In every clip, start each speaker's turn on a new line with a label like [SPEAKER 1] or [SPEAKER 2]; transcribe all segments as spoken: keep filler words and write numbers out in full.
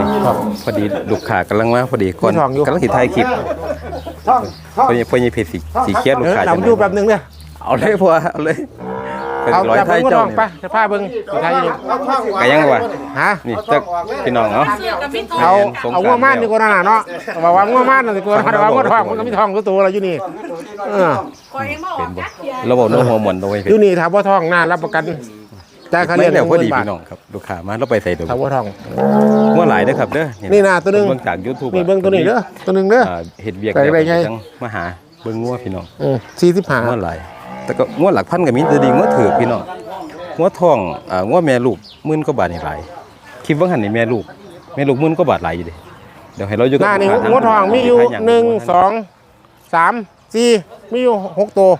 [SPEAKER 1] นี้พอดีลูกค้ากำลังมาพอดีก่อนกำลังติดถ่ายคลิปพอดีพอดีเพจสีสีเขียวลูกค้า
[SPEAKER 2] เราดูแป๊บนึงเนี่ย
[SPEAKER 1] เอาเลยพอเอาเลย
[SPEAKER 2] เอาจับมือทองไปจะพาเบิ้งไทยอยู่
[SPEAKER 1] ไก่ยังวะ
[SPEAKER 2] ฮะ
[SPEAKER 1] นี่จักพี่น้องเนาะ
[SPEAKER 2] เอาเอางัวม่านดีกว่าน่ะเนาะบอกว่างัวม่านดีกว่าแต่ว่างัวทองมันก็มีทองตัวอะไรอยู่นี่เออ
[SPEAKER 1] เป็นบ่ระบบโน้มหัวหมุนตรงไป
[SPEAKER 2] อยู่นี่ถามว่าทองน่ารับประกันจ่ายค่าเลี้ยง
[SPEAKER 1] แล้วพอดีพี่น้องครับลูกค้ามาเราไปใส่ตัว
[SPEAKER 2] ถามว่าทอง
[SPEAKER 1] งัวหลายเด้อครับเด้อ
[SPEAKER 2] นี่น่ะตัวนึง
[SPEAKER 1] เบิ่งจาก YouTube
[SPEAKER 2] นี่เบิ่งตัวนี้เด้อตัวนึงเด้อ
[SPEAKER 1] เฮ็ดเวียกแล้วจังมาหาเบิ่งงัวพี่น้อง
[SPEAKER 2] อือสี่สิบห้า
[SPEAKER 1] งัวหลายแต่ก็งัวหลักพันก็มีแต่ดีงัวถือพี่น้องงัวทองอ่างัวแม่ลูกหมื่นกว่าบาทนี่หลายคลิปว่าหั่นนี่แม่ลูกแม่ลูกหมื่นกว่าบาทหลายอยู่ดิเดี๋ยวให้เราอยู่กับ
[SPEAKER 2] นี่งัวทองมีอยู่หนึ่ง สอง สาม สี่มีอยู่หกตัว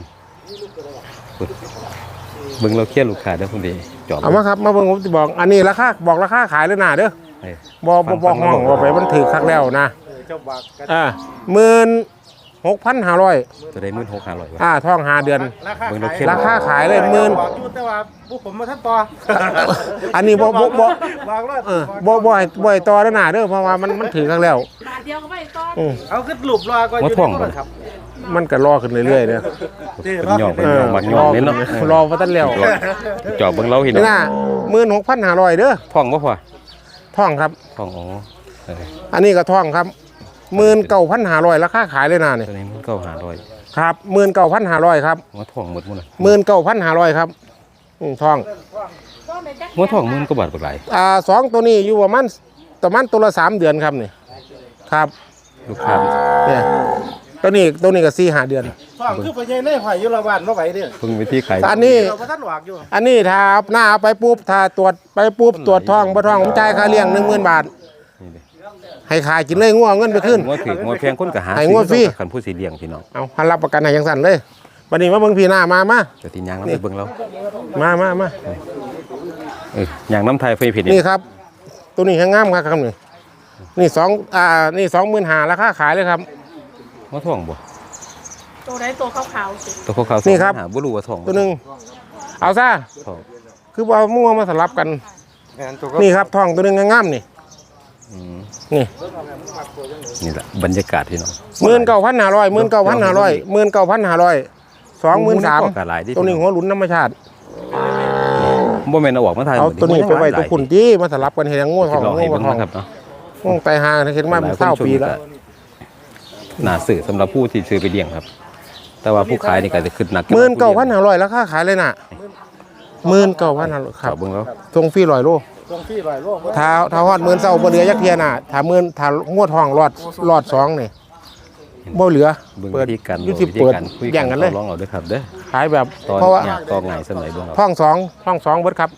[SPEAKER 1] เบิ่งเราเครียดลูกค้าเด้อพุ่นดิจอบ
[SPEAKER 2] เอามาครับมาเบิ่งผมจะบอกอันนี้ราคาบอกราคาขายเลยน่ะเด้อบ่บ่บอกห้องว่าไปมันถือคักแล้วนะอ่าหมื่นหกพันห้าร้อย
[SPEAKER 1] จะได้หมื่นหกพันห้าร้อย
[SPEAKER 2] อ่าท่องห้าเดือนราคาขายเลยหมื่น
[SPEAKER 3] แต่ว่าพวกผมมาท่านต่อ
[SPEAKER 2] อันนี้บ่บ่บ่เออบ่บ่บ่ต่อแล้วน่ะเด้อเพราะว่ามันมันถือคักแล้ว
[SPEAKER 4] บาทเดียวก็ไม่ต่อ
[SPEAKER 3] เอาขึ้นหลุบรอก็อยู่ในครับ
[SPEAKER 2] มันก็รอขึ้นเรื่อยๆเด้อ
[SPEAKER 1] เป็นหยอกเป็นหยอกมักหยอกนี่เนาะ
[SPEAKER 2] รอบ่ทันแล้ว
[SPEAKER 1] จอบเบิ่งเราเห็น
[SPEAKER 2] นี่น่ะหมื่นหกพันห้าร้อยเด้อ
[SPEAKER 1] ท่องบ่พอ
[SPEAKER 2] ท่องครับ
[SPEAKER 1] ท่องอ๋อ
[SPEAKER 2] อันนี้ก็ท่องครับหมื่นเก้าพันห้าร้อยราคาขายเลยน่ะนี่
[SPEAKER 1] ตัวนี้มันเก้าห้าร้อย
[SPEAKER 2] ครับหมื่นเก้าพันห้าร้อยครับ
[SPEAKER 1] หัวท่องหมดหมดเลย
[SPEAKER 2] หมื่นเก้าพันห้าร้อยครับอืมท่อง
[SPEAKER 1] หัวท่องหมื่นกว่าบาทกว่าหลาย
[SPEAKER 2] อ่าสองตัวนี้อยู่ประมาณประมาณตัวละสามเดือนครับนี่ครับ
[SPEAKER 1] ลูกค้า
[SPEAKER 2] เนี่ยตัวนี้ตัวนี้ก็สี่ห้าเดือน
[SPEAKER 3] ท่องคือไปยัยในหอยยุรบ้านบ่ไหวเด้อ
[SPEAKER 1] เพิ่งวิธีขาย
[SPEAKER 2] อันนี้อันนี้ถ้าหน้าไปปุ๊บถ้าตรวจไปปุ๊บตรวจท้องบ่ท้องผมจ่ายค่าเลี้ยงหนึ่งหมื่นบาทให้ขายกินเลยงัวเงินไปขึ้น
[SPEAKER 1] งัวถืองัวแพงคนก็หา
[SPEAKER 2] ให้งัวฟรี
[SPEAKER 1] คันผู้สีเลี้ยงพี่น้อง
[SPEAKER 2] เอาหันรับประกันให้ยังสั่นเลยวันนี้มาเบิ่งพี่หน้ามามา
[SPEAKER 1] เดี๋ยวตีนยางน้ำไปเบิ่งเรา
[SPEAKER 2] มามามา
[SPEAKER 1] เออย่างน้ำไทยไฟผิด
[SPEAKER 2] นี่ครับตัวนี้แห้งงามครับครับนี่นี่สองอ่านี่สองหมื่นห้าราคาขายเลยครับ
[SPEAKER 1] งัวท่องบ่
[SPEAKER 4] ตัวไหนตัวขาวๆสิ
[SPEAKER 1] ตัวขาวๆ
[SPEAKER 2] นี่ครับ
[SPEAKER 1] บ่รู้ว่าท่อง
[SPEAKER 2] ตัวนึงเอาซะคือว่ามั่วมาสลับกันนี่ครับท่องตัวนึงงามๆนี่นี่
[SPEAKER 1] นี่แหละบรรยากาศพี่น้อง
[SPEAKER 2] หมื่นเก้าพันห้าร้อยหมื่นเก้าพันห้าร้อยหมื่นเก้าพันห้าร้อยสองหมื่นสามตัวนี้หัวหลุนธรรมชาติ
[SPEAKER 1] บ่แม่นเอาออกมาถ่าย
[SPEAKER 2] เอาตัวนี้ไปไว้ตัวคุณที่มาสลับกันเห็นงูทองงูทอง
[SPEAKER 1] ครับเนาะ
[SPEAKER 2] งูไตหาเห็นมาเป็นเศร้าปีแล้ว
[SPEAKER 1] น่าซื้อสำหรับผู้ที่ซื้อไปเลี้ยงครับแต่ว่าผู้ขายนี่ก็จะขึ้นหนัก
[SPEAKER 2] หมื่นเก้าพันห้าร้อยราคาขายเลยน่ะหมื่นเก้าพันห้าร้อยครับ
[SPEAKER 1] เบิ่งแล้ว
[SPEAKER 2] ทรงฟรีร้อยโลถ้าถ้าฮอดหมื่นเศร้าบ่เหลือยักเทียน่ะถ้าหมื่นถ้างวดทองรอดรอดสองนี่บ่เหลือ
[SPEAKER 1] เปิดกัน
[SPEAKER 2] ยุติเปิดแย่งกันเลย
[SPEAKER 1] ลองเอาด้วยครับเด้อ
[SPEAKER 2] ขายแบบ
[SPEAKER 1] เพราะว่าตอนไงสมัยเบิ่ง
[SPEAKER 2] ท้องสองท้องสองเบิดครับ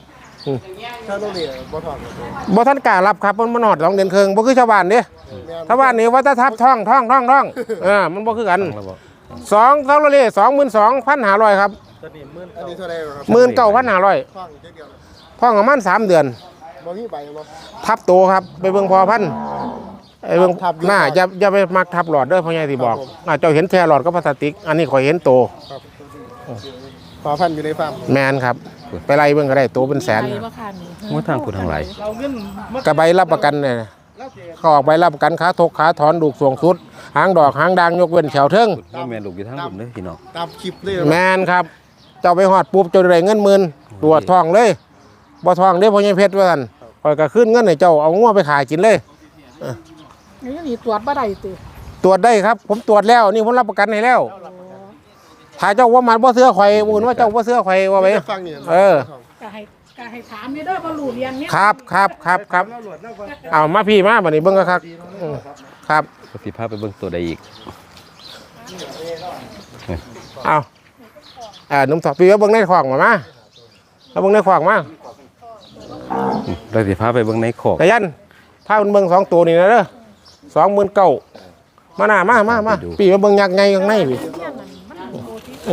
[SPEAKER 2] บ่ท่านกล้ารับครับมันบ่นอดสองเดือนครึ่งบ่คือชาวบ้านเด้ชาวบ้านนี่ว่าถ้าทับท้องท้องท้องท้องเออมันบ่คือกันสองเท่าไรสองหมื่นสองพันห้าร้อยครับหมื่นเก้าพันห้าร้อยท้องประมาณสามเดือนทับโตครับไปเบิ่งพอพันไอ้เบิ่งหน้าอย่าอย่าไปมักทับหลอดเด้อพ่อใหญ่ที่บอกเจ้าเห็นแค่หลอดก็พลาสติกอันนี้ข่อยเห็นโต
[SPEAKER 3] พอพันอยู่ในฟาร์ม
[SPEAKER 2] แมนครับไปไล่เบิ่งก็ได้โตเป็นแสน
[SPEAKER 1] งัวทางผู้ทางหลาย
[SPEAKER 2] กระใบรับประกันเนี่ยเขาออกใบรับประกันขาทกขาถอนดูกสวงสุดหางดอกหางด่างยกเว้นแถวเทิง
[SPEAKER 1] แม่ลูกอยู่ทางผมเด้อพี่น้อง
[SPEAKER 3] ตามคลิปเลย
[SPEAKER 2] แมนครับเจ้าไปหอดปุ๊บเจ้าได้เงินหมื่นตัวทองเลยบ่ทองเด้พ่อใหญ่เพชรว่าซั่นข่อยก็ขึ้นเงินให้เจ้าเอางัวไปขายกินเลย
[SPEAKER 4] นี่นี่ตรวจบ่ได้ติ
[SPEAKER 2] ตรวจได้ครับผมตรวจแล้วนี่ผมรับประกันให้แล้วถ้าเจ้าว่ามันบ่เสื้อข่อยมูลว่าเจ้าบ่เสื้อข่อยว่าไปเออ
[SPEAKER 4] ก็ให้ก็ให้ถามนี่เด้อบ่รู้เรียนเนี่ย
[SPEAKER 2] ครับครับครับครับเอามาพี่มาบัดนี้เบิ่งก็ครับครับ
[SPEAKER 1] สิพาไปเบิ่งตัวใดอีก
[SPEAKER 2] เอาอ่านุ่มถอดปีว่าเบิ่งในขวางมามาแล้วเบิ่งในขวางมา
[SPEAKER 1] เราสิพาไปเบิ่งในขอก
[SPEAKER 2] กะยันพาเบิ่งสองตัวนี่นะเด้อสองหมื่นเก้ามาหน้ามามามาปีว่าเบิ่งยักษ์ไงข้างในพี่
[SPEAKER 1] ห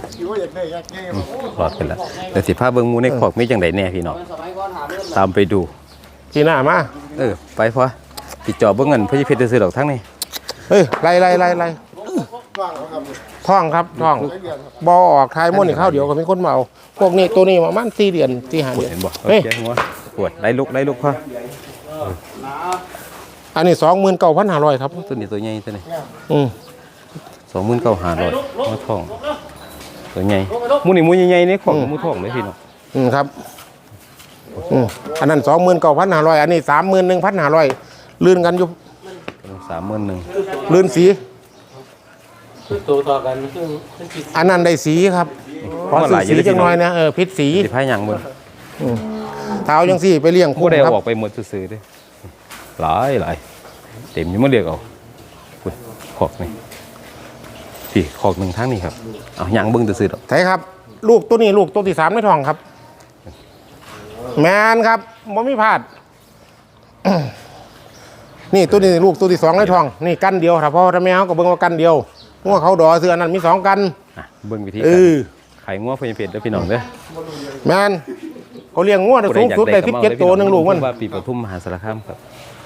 [SPEAKER 1] ลอดไปแล้วเดี๋ยวสิพาเบิ่งหมูในขอกมีจังไดแน่พี่น้องตามไปดู
[SPEAKER 2] พี่หน้ามา
[SPEAKER 1] เออไปพอติดจอบเบิ่งเงินเพื่อเพชรซื้อดอกทั้งนี้
[SPEAKER 2] เฮ้ยไล่ไล่ไล่ไล่ท่องครับท่องบอออกทายม้วนอีกข้าวเดียวก็เป็นคนเมาพวกนี้ตัวนี้ประมาณสี่เดือนสี่ห้าเดือน
[SPEAKER 1] เห็นบ่เฮ้ยปวดไล่ลุกไล่ลุกพอ
[SPEAKER 2] อันนี้สองหมื่นเก้าพันห้าร้อยครับ
[SPEAKER 1] ตัวนี้ตัวใหญ่ตัวนี้
[SPEAKER 2] อืม
[SPEAKER 1] สองหมื่นเก้าห้าร้อยงัวทองตัวใหญ่หมูนี่หมูใหญ่ๆนี่ของหมูทองเลยพี่น้อง
[SPEAKER 2] อืมครับอืมอันนั้นสองหมื่นเก้าพันห้าร้อยอันนี้สามหมื่นหนึ่งพันห้าร้อยลื่นกันอยู่
[SPEAKER 1] สามหมื่นหนึ่ง
[SPEAKER 2] ลื่นสี
[SPEAKER 3] ตัวต่อกันคือมันผิด
[SPEAKER 2] อันนั้นได้สีครับขอสีสีจังน้อยนะเออพิษสี
[SPEAKER 1] สิพายหยังเบิ่ง
[SPEAKER 2] เท้าจังสี่ไปเลี้ยง
[SPEAKER 1] ผู้
[SPEAKER 2] คู่
[SPEAKER 1] ใด
[SPEAKER 2] ครั
[SPEAKER 1] เอา
[SPEAKER 2] บ
[SPEAKER 1] ออกไปหมดซื่อๆเด้หลายหลายเต็มอยู่มาเรียกเอาคุณขอกนี่พี่ขอกหนึ่งทางนี่ครับเอาหยังเบิ่งซื่อๆดอก
[SPEAKER 2] ใช่ครับ ลูกตัวนี้ลูกตัวที่สามในท้องครับ แมนครับบ่มีพลาด นี่ตัวนี้ลูกตัวที่สองในท้อง นี่กันเดียวครับพ่อถ้าแม่เขาก็เบิ่งว่ากันเดียวงัวเขาดอเสือนั้นมีสองกัน
[SPEAKER 1] อ่ะเบิ่งวิธี
[SPEAKER 2] เอ
[SPEAKER 1] การ
[SPEAKER 2] อ
[SPEAKER 1] ไข่งัวเพิ่นเพชรเด้อพี่น้องเด้อ
[SPEAKER 2] แมนเขาเลี้ยงงัวได้สูงสุดได้สิบเจ็ดตัวหนึ่งลูกมัน
[SPEAKER 1] ว่าปีปทุมมหาสารคามครับ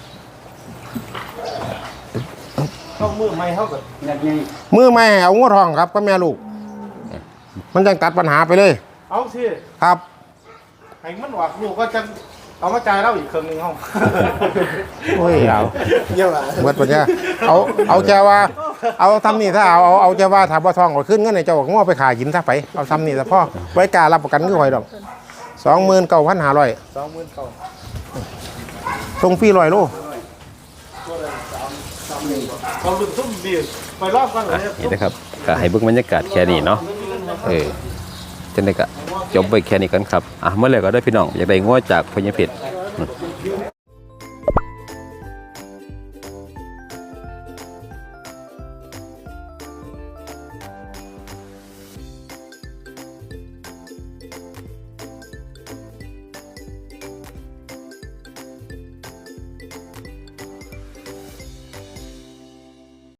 [SPEAKER 3] เข้ามือไม่เข้ากับอย่างนี้
[SPEAKER 2] มือไม่ให้เอางัวทองครับก็แม่ลูก มันจังตัดปัญหาไปเลย
[SPEAKER 3] เอาสิ
[SPEAKER 2] ครับ
[SPEAKER 3] ให้มันหวักลูกก็จะเอามาจ่ายเราอีกครึ่งหนึงห้อง
[SPEAKER 2] โอ้ยเอา
[SPEAKER 3] เยอะอ่ะ
[SPEAKER 2] เบิดปัญญาเอาเอาแจว่า เอาทำนี่ถ้าเอาเอาเอาแจว่าถ้าบ่ทองก็ขึ้นเงินในเจ้างัวไปขายหินซะไปเอาทำนี่ซะพ่อไว้กล้ารับประกันคือหอยดอกสองหมื่นเก้าพันห้าร้อย
[SPEAKER 3] สองหมื่นเก้า
[SPEAKER 2] ส่งฟรีร้อยโล
[SPEAKER 3] เราดึงทุ่มดีไปรอบกันเลย
[SPEAKER 1] นี่นะครับก็ให้เบิ่งบรรยากาศแค่นี้เนาะเออจังได๋ก็จบไปแค่นี้กันครับอ่ะเมื่อไหร่ก็ได้พี่น้องอยากได้งัวจากพญเพชร